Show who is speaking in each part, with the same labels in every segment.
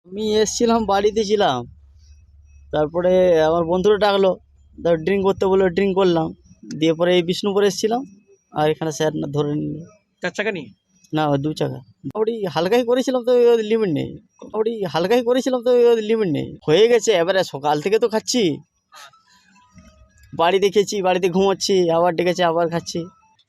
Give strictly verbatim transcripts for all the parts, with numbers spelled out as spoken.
Speaker 1: আমি এসছিলাম, বাড়িতে ছিলাম। তারপরে আমার বন্ধুরা ডাকলো, তা ড্রিঙ্ক করতে বললো, ড্রিঙ্ক করলাম। দিয়ে পরে এই বিষ্ণুপুর এসছিলাম, আর এখানে স্যার না ধরে নিল।
Speaker 2: চার চাকা নিয়ে?
Speaker 1: না, দু চাকা। মোটামুটি হালকাই করেছিলাম, তো লিমিট নেই। মোটামুটি হালকাই করেছিলাম, তো লিমিট নেই। হয়ে গেছে, এবারে সকাল থেকে তো খাচ্ছি। বাড়িতে খেয়েছি, বাড়িতে ঘুমোচ্ছি, আবার ডেকেছে, আবার খাচ্ছি।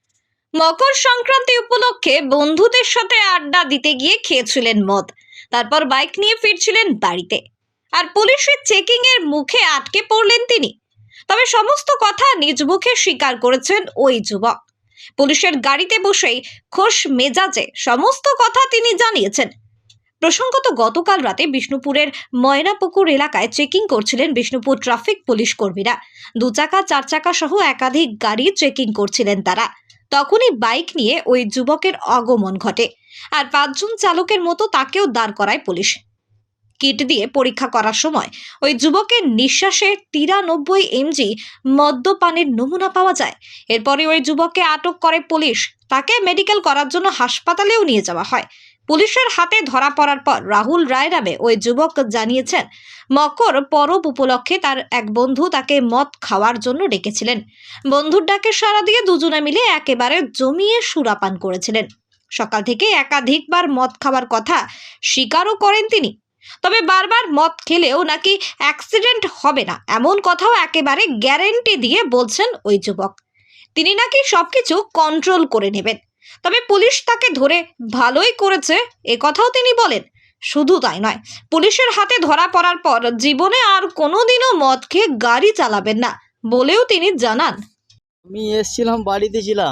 Speaker 3: মকর সংক্রান্তি উপলক্ষে বন্ধুদের সাথে আড্ডা দিতে গিয়ে খেয়েছিলেন মদ, তারপর বাইক নিয়ে ফিরছিলেন বাড়িতে, আর পুলিশের চেকিং এর মুখে আটকে পড়লেন তিনি। তবে সমস্ত কথা নিজ মুখে স্বীকার করেছেন ওই যুবক। পুলিশের গাড়িতে বসেই খোশ মেজাজে সমস্ত কথা তিনি জানিয়েছেন। প্রসঙ্গত, গতকাল রাতে বিষ্ণুপুরের ময়নাপুকুর এলাকায় চেকিং করছিলেন বিষ্ণুপুর ট্রাফিক পুলিশ কর্মীরা। দু চাকা, চার চাকা সহ একাধিক গাড়ি চেকিং করছিলেন তারা। তখনই বাইক নিয়ে ওই যুবকের আগমন ঘটে, আর পাঁচজন চালকের মতো তাকেও দাঁড় করায় পুলিশ। কিট দিয়ে পরীক্ষা করার সময় ওই যুবকের নিঃশ্বাসে তিরানব্বই এমজি মদ্যপানের নমুনা পাওয়া যায়। এরপরে ওই যুবককে আটক করে পুলিশ। তাকে মেডিকেল করার জন্য হাসপাতালেও নিয়ে যাওয়া হয়। পুলিশের হাতে ধরা পড়ার পর রাহুল রায় নামে ওই যুবক জানিয়েছেন, মকর পরব উপলক্ষে তার এক বন্ধু তাকে মদ খাওয়ার জন্য ডেকেছিলেন। বন্ধুর ডাকে সাড়া দিয়ে দুজনে মিলে একেবারে জমিয়ে সুরাপান করেছিলেন। সকাল থেকে একাধিকবার মদ খাওয়ার কথা স্বীকারও করেন তিনি। তবে বারবার মদ খেলেও নাকি অ্যাক্সিডেন্ট হবে না, এমন কথাও একেবারে গ্যারেন্টি দিয়ে বলছেন ওই যুবক। তিনি নাকি সবকিছু কন্ট্রোল করে নেবেন। তবে পুলিশ তাকে ধরে ভালোই করেছে, এ কথাও তিনি বলেন। শুধু তাই নয়, পুলিশের হাতে ধরা পড়ার পর জীবনে আর কোনোদিনও মদ খেয়ে গাড়ি চালাবেন না বলেও তিনি জানান।
Speaker 1: আমি এসছিলাম, বাড়িতে ছিলাম।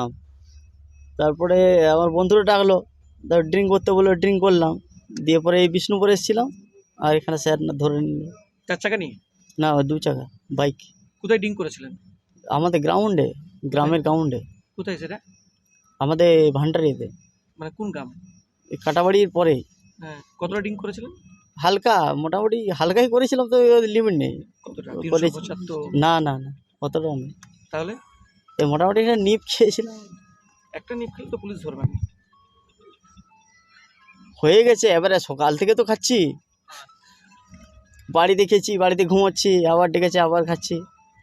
Speaker 1: তারপরে আমার বন্ধুরা ডাকলো, তা ড্রিঙ্ক করতে বললো, ড্রিঙ্ক করলাম। দিয়ে পরে এই বিষ্ণুপুর এসছিলাম, আর এখানে স্যার না ধরে নিল।
Speaker 2: চার চাকা নিয়ে?
Speaker 1: না, দু চাকা বাইক।
Speaker 2: কোথায় ড্রিঙ্ক করেছিলেন?
Speaker 1: আমাদের গ্রাউন্ডে, গ্রামের গ্রাউন্ডে।
Speaker 2: কোথায় সেটা?
Speaker 1: আমাদের ভান্ডারিতে,
Speaker 2: মানে কোন গ্রাম?
Speaker 1: এই কাটাবাড়ির পরে।
Speaker 2: হ্যাঁ, কতটা ড্রিঙ্ক করেছিলেন?
Speaker 1: হালকা, মোটামুটি হালকাই করেছিলাম, তো লিমিট নেই।
Speaker 2: কতটা?
Speaker 1: করেছি।
Speaker 2: তিনশো পঁচাত্তর?
Speaker 1: না না না, অতটা নেই।
Speaker 2: তাহলে
Speaker 1: এই মোটামুটি একটা নিপ খেয়েছিলাম।
Speaker 2: একটা নিপ খেলে তো পুলিশ ধরবে না।
Speaker 1: হয়ে গেছে, এবারে সকাল থেকে তো খাচ্ছি। বাড়িতে খেয়েছি, বাড়িতে ঘুমোচ্ছি, আবার ডেকেছে, আবার খাচ্ছি।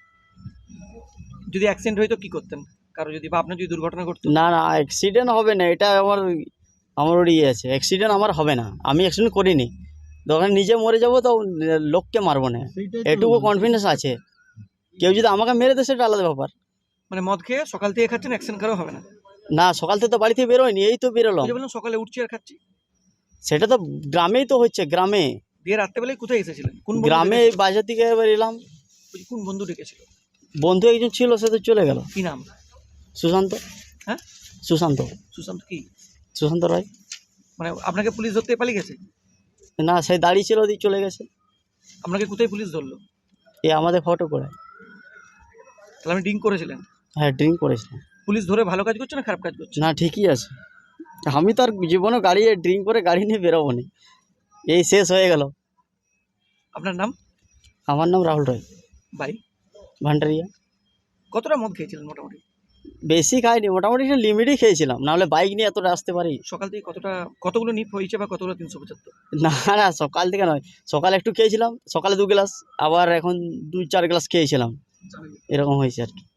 Speaker 2: যদি অ্যাক্সিডেন্ট হইতো কি করতেন? কারো যদি বা আপনার যদি দুর্ঘটনা ঘটতো?
Speaker 1: না না, অ্যাক্সিডেন্ট হবে না, এটা আমার আমার ওর ইয়ে আছে। অ্যাক্সিডেন্ট আমার হবে না, আমি অ্যাক্সিডেন্ট করিনি। দোকানে নিজে মরে যাবো, তো লোককে মারবো না, এটুকু কনফিডেন্স আছে। কেউ যদি আমাকে মেরে দেয় সেটা আলাদা ব্যাপার।
Speaker 2: মানে মদ খেয়ে সকাল থেকে খাচ্ছেন, অ্যাক্সিডেন্ট কারো হবে না?
Speaker 1: না, সকাল থেকে তো বাড়ি থেকে বেরোয়নি, এই তো বেরোলাম।
Speaker 2: ওই যে বললাম সকালে উঠছি আর খাচ্ছি।
Speaker 1: সেটা তো গ্রামেই তো হচ্ছে, গ্রামে।
Speaker 2: দিয়ে রাত্রেবেলায় কোথায় এসেছিলেন? কোন বন্ধু
Speaker 1: গ্রামে
Speaker 2: ডেকেছিল?
Speaker 1: বাজার থেকে এবার এলাম।
Speaker 2: ওই যে কোন বন্ধু ডেকেছিল?
Speaker 1: বন্ধু একজন ছিল, সে তো চলে গেল।
Speaker 2: কি নাম?
Speaker 1: সুশান্ত।
Speaker 2: হ্যাঁ,
Speaker 1: সুশান্ত।
Speaker 2: সুশান্ত কি?
Speaker 1: সুশান্ত রায়।
Speaker 2: মানে আপনাকে পুলিশ ধরতে পালিয়ে গেছে?
Speaker 1: না, সে দাঁড়িয়ে ছিল, ওদিকে চলে গেছে।
Speaker 2: আপনাকে কোথায় পুলিশ ধরলো?
Speaker 1: এ আমাদের ফটো করে।
Speaker 2: তাহলে আপনি ড্রিঙ্ক করেছিলেন?
Speaker 1: হ্যাঁ, ড্রিঙ্ক করেছিলাম।
Speaker 2: পুলিশ ধরে ভালো কাজ করছে না খারাপ কাজ করছে?
Speaker 1: না, ঠিকই আছে। আমি তো আর জীবনে গাড়ি ড্রিঙ্ক করে গাড়ি নিয়ে বেরোবো না, এই শেষ হয়ে গেল।
Speaker 2: আপনার নাম?
Speaker 1: আমার নাম রাহুল রায়,
Speaker 2: বাড়ি
Speaker 1: ভান্ডারিয়া।
Speaker 2: কতটা মদ খেয়েছিলেন মোটামুটি?
Speaker 1: বেশি খাইনি, মোটামুটি একটা লিমিটই খেয়েছিলাম, নাহলে বাইক নিয়ে এতটা আসতে পারি?
Speaker 2: সকাল থেকে কতটা, কতগুলো নিপ হয়েছে বা কতগুলো তিনশো পঁচাত্তর?
Speaker 1: না না, সকাল থেকে নয়। সকালে একটু খেয়েছিলাম, সকালে দু গ্লাস, আবার এখন দুই চার গ্লাস খেয়েছিলাম, এরকম হয়েছে আর কি।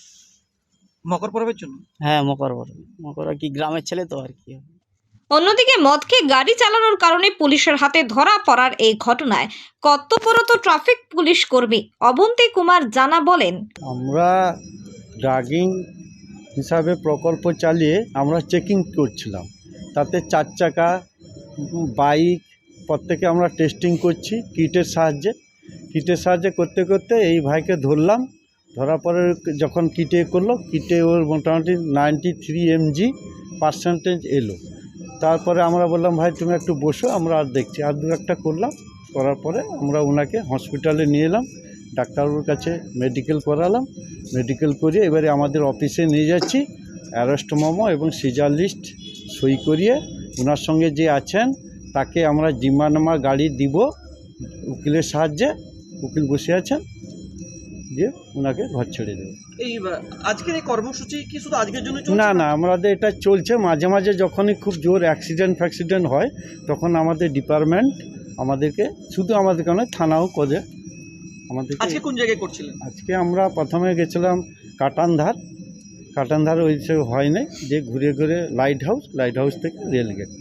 Speaker 2: মকর পরবের জন্য?
Speaker 1: হ্যাঁ, মকর পরব। মকর আর কি, গ্রামের ছেলে তো আর কি।
Speaker 3: অন্যদিকে মদ খেয়ে গাড়ি চালানোর কারণে পুলিশের হাতে ধরা পড়ার এই ঘটনায় কর্তব্যরত ট্রাফিক পুলিশ কর্মী অবন্তী কুমার জানা বলেন,
Speaker 4: আমরা ড্রাগিং হিসাবে প্রকল্প চালিয়ে আমরা চেকিং করছিলাম। তাতে চার চাকা, বাইক প্রত্যেকে আমরা টেস্টিং করছি কিটের সাহায্যে। কিটের সাহায্যে করতে করতে এই ভাইকে ধরলাম। ধরার পরে যখন কিটে করলো, কিটে ওর মোটামুটি নাইনটি থ্রি এমজি পার্সেন্টেজ এলো। তারপরে আমরা বললাম, ভাই তুমি একটু বসো, আমরা আর দেখছি। আর দু একটা করলাম, করার পরে আমরা ওনাকে হসপিটালে নিয়ে এলাম, ডাক্তারবাবুর কাছে মেডিকেল করালাম। মেডিকেল করিয়ে এবারে আমাদের অফিসে নিয়ে যাচ্ছি। অ্যারেস্ট মেমো এবং সিজার লিস্ট সই করিয়ে ওনার সঙ্গে যে আছেন তাকে আমরা জিম্মানামা গাড়ি দিব উকিলের সাহায্যে। উকিল বসে আছেন, দিয়ে ওনাকে ঘর ছেড়ে দেবো।
Speaker 2: এই আজকের এই কর্মসূচি কি শুধু আজকের জন্য?
Speaker 4: না না, আমাদের এটা চলছে। মাঝে মাঝে যখনই খুব জোর অ্যাক্সিডেন্ট ফ্যাক্সিডেন্ট হয় তখন আমাদের ডিপার্টমেন্ট আমাদেরকে শুধু আমাদেরকে নয় থানাও করে আমাদেরকে।
Speaker 2: আজকে কোন জায়গায় করছিলেন?
Speaker 4: আজকে আমরা প্রথমে গেছিলাম কাটানধার, কাটানধার ওই সে হয় নাই, যে ঘুরে ঘুরে লাইট হাউস, লাইট হাউস থেকে রেলগেট।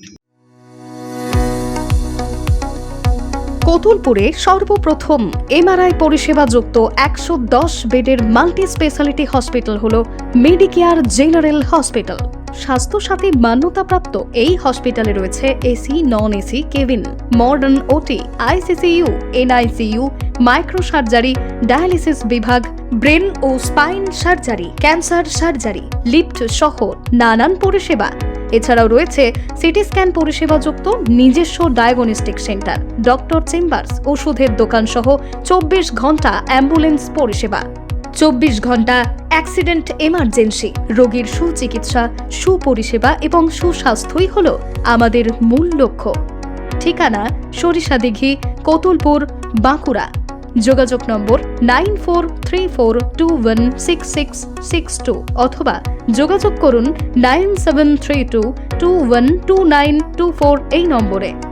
Speaker 5: কতুলপুরে সর্বপ্রথম এমআরআই পরিষেবা যুক্ত একশো দশ বেডের মাল্টি স্পেশালিটি হসপিটাল হল মেডিকেয়ার জেনারেল হসপিটাল। স্বাস্থ্যসাথী মান্যতাপ্রাপ্ত এই হসপিটালে রয়েছে AC, non AC cabin, modern OT, ICCU, NICU, micro surgery, dialysis বিভাগ, ব্রেন ও spine surgery, cancer surgery, lift সহ নানান পরিষেবা। এছাড়াও রয়েছে সিটি স্ক্যান পরিষেবাযুক্ত নিজস্ব ডায়াগনস্টিক সেন্টার, ডক্টর চেম্বার্স, ওষুধের দোকান সহ চব্বিশ ঘন্টা অ্যাম্বুলেন্স পরিষেবা, চব্বিশ ঘন্টা অ্যাক্সিডেন্ট এমার্জেন্সি। রোগীর সুচিকিৎসা, সুপরিষেবা এবং সুস্বাস্থ্যই হল আমাদের মূল লক্ষ্য। ঠিকানা সরিষাদিঘি, কতুলপুর, বাঁকুড়া। যোগাযোগ number nine four three four two one six six six two অথবা যোগাযোগ করুন nine seven three two two one two nine two four এই নম্বরে।